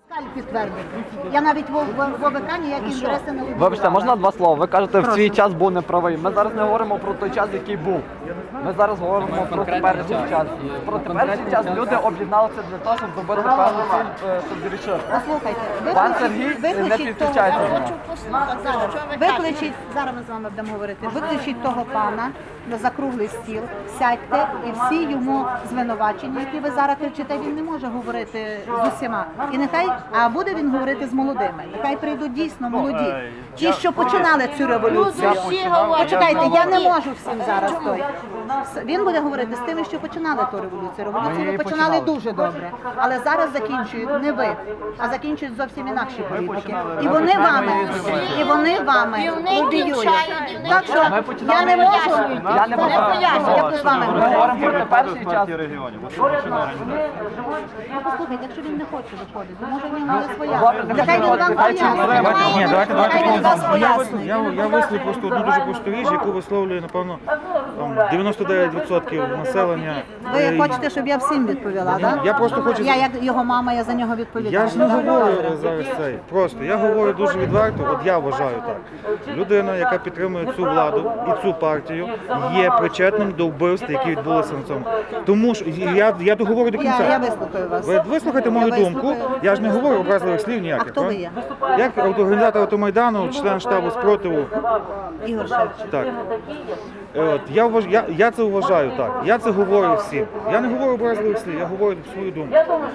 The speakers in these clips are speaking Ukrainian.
Підтвердити. Я навіть в ОВК ніякі інтереси не вибирала. Вибачте, можна два слова? Ви кажете, в свій час був неправий. Ми зараз не говоримо про той час, який був. Ми зараз говоримо про теперішній час. Про теперішній час люди об'єдналися для того, щоб добити певну ціль, щоб зрішити. Послухайте, Пан Сергій, не підключайте мене. Викличіть, зараз ми з вами будемо говорити, викличіть того пана за круглий стіл, сядьте і всі йому звинувачення, які ви зараз кричите, він не може говорити з усіма. І нехай, а буде він говорити з молодими. Нехай прийдуть дійсно молоді. Ті, що починали цю революцію. Почекайте, я не можу всім зараз той. Він буде говорити з тими, що починали ту революцію. Революцію ви починали дуже добре. Але зараз закінчують не ви, а закінчують зовсім інакші політики. І вони вами лобіюють. Так що я не можу. Я не Я з вами Ми говоримо про теперішній час. Послухайте, якщо він не хоче виходити, може в нього є своя. Нехай він вам пояснить. Ні, Нехай він вас пояснить. я висловлю просто одну дуже просту річ, яку висловлює, напевно, 99% населення. Ви хочете, щоб я всім відповіла, так? Я просто хочу... Я як його мама, я за нього відповідаю. Я ж не говорю зараз цей. Просто я говорю дуже відверто, от я вважаю так. Людина, яка підтримує цю владу і цю партію, є причетним до вбивств, які відбулися на цьому. Тому що я договорю до кінця. Я вислухаю вас. Ви вислухайте мою думку. Я ж не говорю образливих слів ніяких. А хто ви є? Як організатор Автомайдану, член штабу спротиву. Ігор Шевченко. Так. От, я це вважаю так. Я це говорю всім. Я не говорю образливих слів, я говорю свою думку.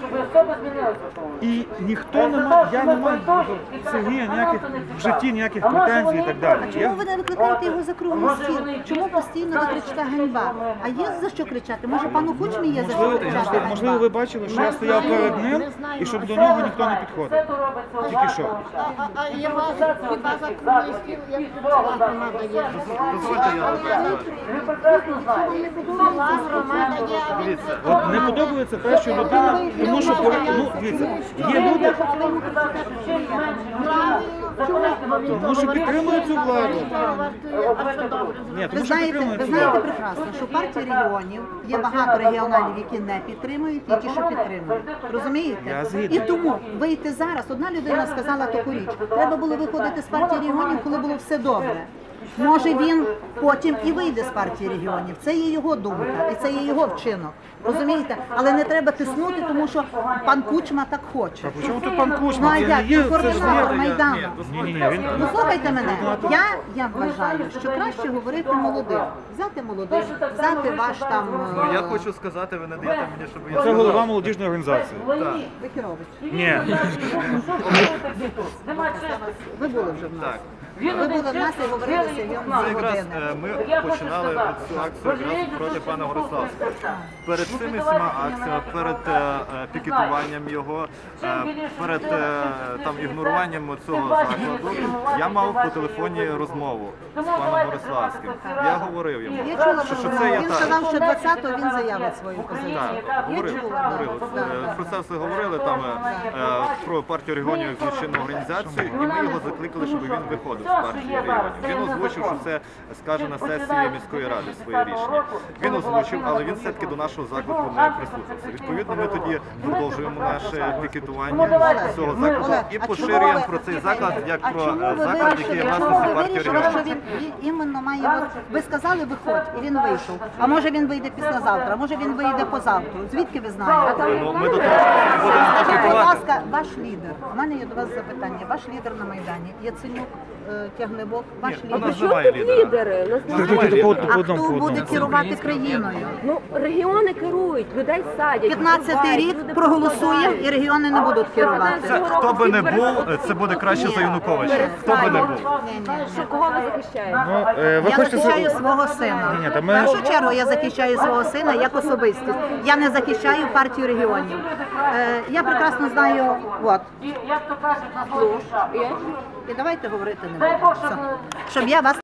І ніхто не має, я не маю до Сергія ніяких в житті ніяких претензій і так далі. Чому ви не викликаєте його за круглий стіл? Чому постійно ви кричите ганьба? А є за що кричати? Може пану Кучмі є за що кричати? Можливо, ви бачили, що я стояв перед ним і щоб до нього ніхто не підходив. Тільки що. А я вас хіба за круглий стіл, як громада є? Громада є, От не подобається те, що людина, тому що дивіться, є люди, тому що підтримують цю владу. Ні, Ви тому що знаєте підтримують цю прекрасно, владу. що в партії регіонів є багато регіоналів, які не підтримують, і ті, що підтримують. Розумієте? Я згідний. І тому вийти зараз, одна людина сказала таку річ, треба було виходити з партії регіонів, коли було все добре. Може він потім і вийде з партії регіонів. Це є його думка і це є його вчинок. Розумієте? Але не треба тиснути, тому що пан Кучма так хоче. А чому тут пан Ну Кучма? а Це як? є, Це це ж координатор є. Майдану. Ні, він... Ну слухайте мене, я вважаю, що краще говорити молодим. Взяти молодих, взяти ваш там... Я хочу сказати, ви не даєте мені, щоб я Це голова молодіжної організації. Вихірович. Ні. Ви були вже в нас. Так. Ви були в нас і говорили сьогодні Це якраз години. ми починали цю акцію якраз проти пана Гориславського. Перед цими всіма акціями, перед пікетуванням його, перед там ігноруванням цього закладу, я мав по телефоні розмову з паном Гориславським. Я говорив йому, Я чула, що це є він так. сказав, що 20-го він заявить свою позицію. Так, Я говорили. чула. Про це все говорили там про партію регіонів як злочинну організацію, і ми його закликали, щоб він виходив з партії регіонів. Він озвучив, що це скаже на сесії міської ради своє рішення. Він озвучив, але він все-таки до нашого заклику не прислухався. Відповідно, ми тоді продовжуємо наше пікетування цього закладу і поширюємо про цей заклад як про заклад, який є власності партії вирішили, що регіонів. він іменно має... Ви сказали, виходь, і він вийшов. А може він вийде післязавтра, може він вийде позавтра. Звідки ви знаєте? Ну, ми до того будемо Скажіть, будь пікетувати. ласка, ваш лідер. У мене є до вас запитання. Ваш лідер на Майдані. Яценюк, Тягнебок, ваш У нас лідер. немає лідера. Лідери, А хто буде керувати країною? ну регіони керують, людей садять. 15-й рік проголосує і регіони не будуть керувати. Це хто би не був, це буде краще за Януковича. Хто би не був. Що кого ви захищаєте? Ну, ви Я хочете... захищаю свого сина. Ні, та В ми- першу чергу я захищаю свого сина як особистість. Я не захищаю партію регіонів. Я прекрасно знаю, от. І давайте говорити не будемо. Все. Щоб я вас